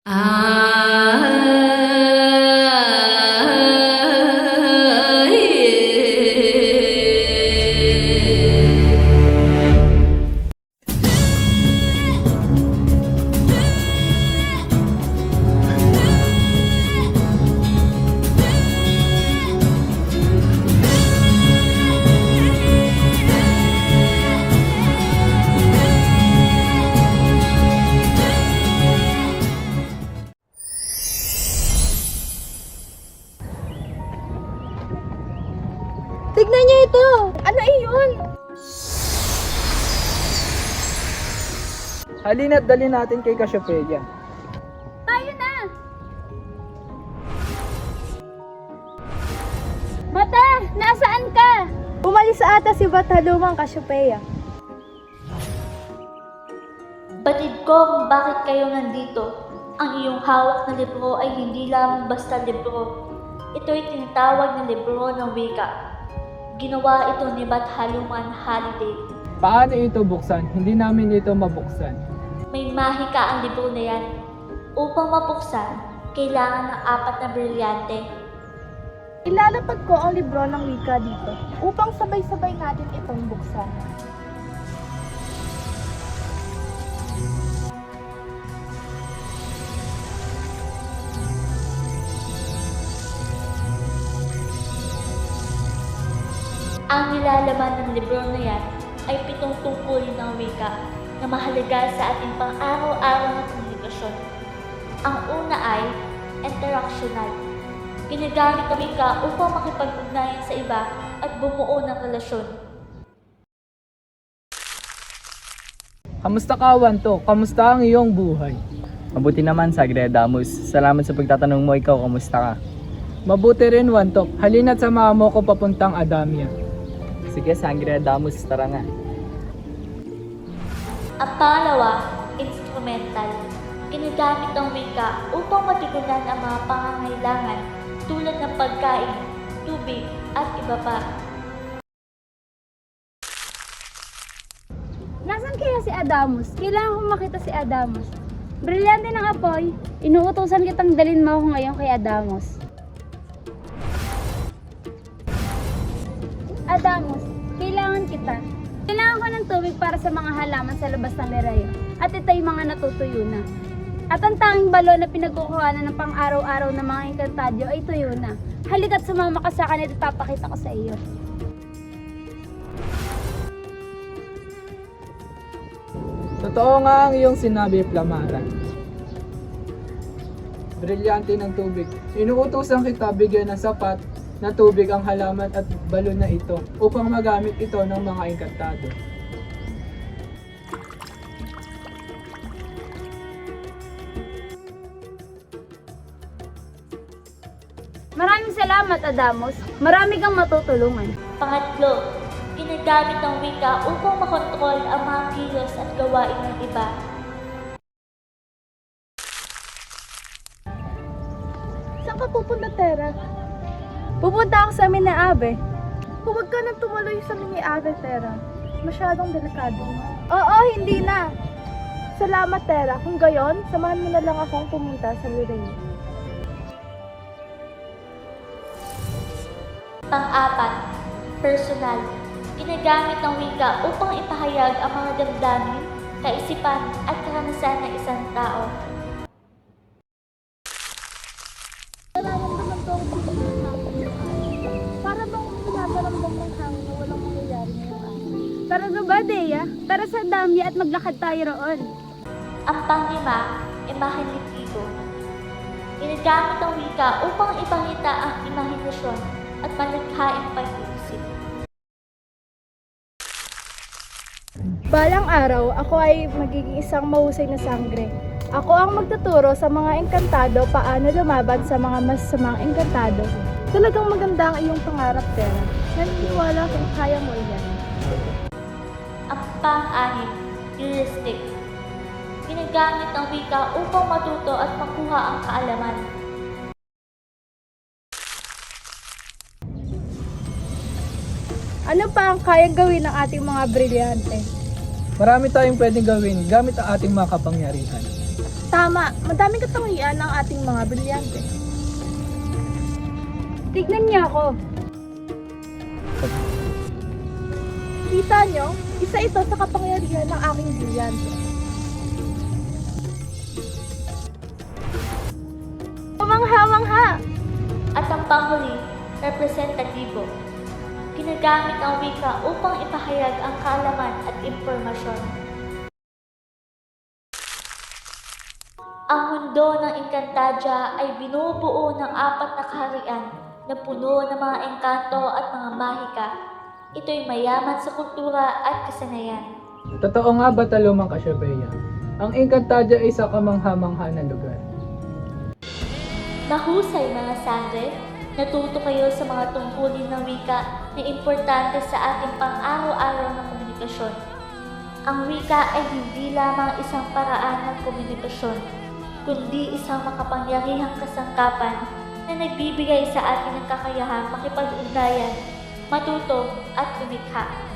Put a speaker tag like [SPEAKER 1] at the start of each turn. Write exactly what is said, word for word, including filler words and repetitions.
[SPEAKER 1] Tignan niyo ito! Ano iyon?
[SPEAKER 2] Halina't dali natin kay Cassiopeia.
[SPEAKER 1] Tayo na! Bata! Nasaan ka? Umalis sa ata si Bata lumang Cassiopeia.
[SPEAKER 3] Batid ko kung bakit kayo nandito. Ang iyong hawak na libro ay hindi lamang basta libro. Ito'y tinatawag na libro ng wika. Ginawa ito ni Bat Haluman Haliday.
[SPEAKER 2] Paano ito buksan? Hindi namin ito mabuksan.
[SPEAKER 3] May mahika ang libro na yan. Upang mabuksan, kailangan ng apat na brilyante.
[SPEAKER 1] Ilalapag ko ang libro ng wika dito upang sabay-sabay natin itong buksan.
[SPEAKER 3] Ang nilalaman ng libro na yan ay pitong tungkulin ng wika na mahalaga sa ating pang-araw-araw na komunikasyon. Ang una ay interactional. Ginagamit ang wika upang makipag-ugnayan sa iba at bumuo ng relasyon.
[SPEAKER 2] Kamusta ka, Wanto? Kamusta ang iyong buhay?
[SPEAKER 4] Mabuti naman, Sagre Damus. Salamat sa pagtatanong mo. Ikaw, kamusta ka?
[SPEAKER 2] Mabuti rin, Wanto. Halina't samahan mo ko papuntang Adamia.
[SPEAKER 4] Sige, Sagre Damus, tara nga.
[SPEAKER 3] Ang pangalawa, instrumental. Ginagamit ang wika upang matugunan ang mga pangangailangan tulad ng pagkain, tubig, at iba pa.
[SPEAKER 1] Nasaan kaya si Adamus? Kailangan kong makita si Adamus. Brilyante ng apoy. Inuutosan kitang dalin mo ako ngayon kay Adamus. Adamus, kailangan kita. Kailangan ko ng tubig para sa mga halaman sa labas ng lerayo. At ito'y mga natutuyo na. At ang tanging balon na pinagkukuhanan ng pang-araw-araw ng mga engkantadyo ay tuyo na. Halika't sumama ka sa akin at ipapakita ko sa iyo.
[SPEAKER 2] Totoo nga ang iyong sinabi, Flamara. Brilyante ng tubig. Inuutosan kita bigyan ng sapat na tubig ang halaman at balon na ito upang magamit ito ng mga engkantado.
[SPEAKER 1] Maraming salamat, Adamus. Marami kang matutulungan.
[SPEAKER 3] Pangatlo, ginagamit ang wika upang makontrol ang mga kilos at gawain ng iba.
[SPEAKER 1] Saan ka pupunta, Tera? Pupunta ako sa amin na Abe. Huwag ka nang tumuloy sa amin ni Abe, Tera. Masyadong delikado. Oo, hindi na. Salamat, Tera. Kung gayon, samahan mo na lang akong pumunta sa Lorraine.
[SPEAKER 3] Pang-apat, personal. Ginagamit ang wika upang ipahayag ang mga damdamin, kaisipan at karanasan ng isang tao.
[SPEAKER 1] Nararamdaman ko ang bigat ng hangin. Para bang nararamdaman ng hangin na walang mangyayari ngayong araw. Tara na ba, Dea? Tara sa Damya at maglakad tayo roon.
[SPEAKER 3] Ang panglima, imahinitibo. Ginagamit ang wika upang ipakita ang imahinasyon at malikhaing pag-iisip.
[SPEAKER 1] Balang araw, ako ay magiging isang mahusay na sangre. Ako ang magtuturo sa mga engkantado paano lumaban sa mga masasamang engkantado. Talagang maganda ang iyong pangarap, Tera. Naniniwala kung kaya mo iyan.
[SPEAKER 3] Ang pang-anim, heuristic. Ginagamit ang wika upang matuto at makuha ang kaalaman.
[SPEAKER 1] Ano pa ang kayang gawin ng ating mga brilyante?
[SPEAKER 2] Marami tayong pwedeng gawin gamit ang ating mga kapangyarihan.
[SPEAKER 1] Tama, madaming katangian ang ating mga brilyante. Tignan niya ako. Kita niyo, isa ito sa kapangyarihan ng aking brilyante. Pamangha-mangha!
[SPEAKER 3] At ang panghuli, representatibo. Ginagamit ang wika upang ipahayag ang kaalaman at impormasyon. Ang mundo ng Encantadia ay binubuo ng apat na kaharian na puno ng mga engkanto at mga mahika. Ito'y mayaman sa kultura at kasanayan.
[SPEAKER 2] Totoo nga ba, Talumang Kasyabeya? Ang Encantadia ay isa kamangha-mangha na lugar.
[SPEAKER 3] Mahusay mga sangre, natuto kayo sa mga tungkulin ng wika na importante sa ating pang-araw-araw na komunikasyon. Ang wika ay hindi lamang isang paraan ng komunikasyon, kundi isang makapangyarihang kasangkapan na nagbibigay sa atin ng kakayahang makipag-ugnayan, matuto at lumikha.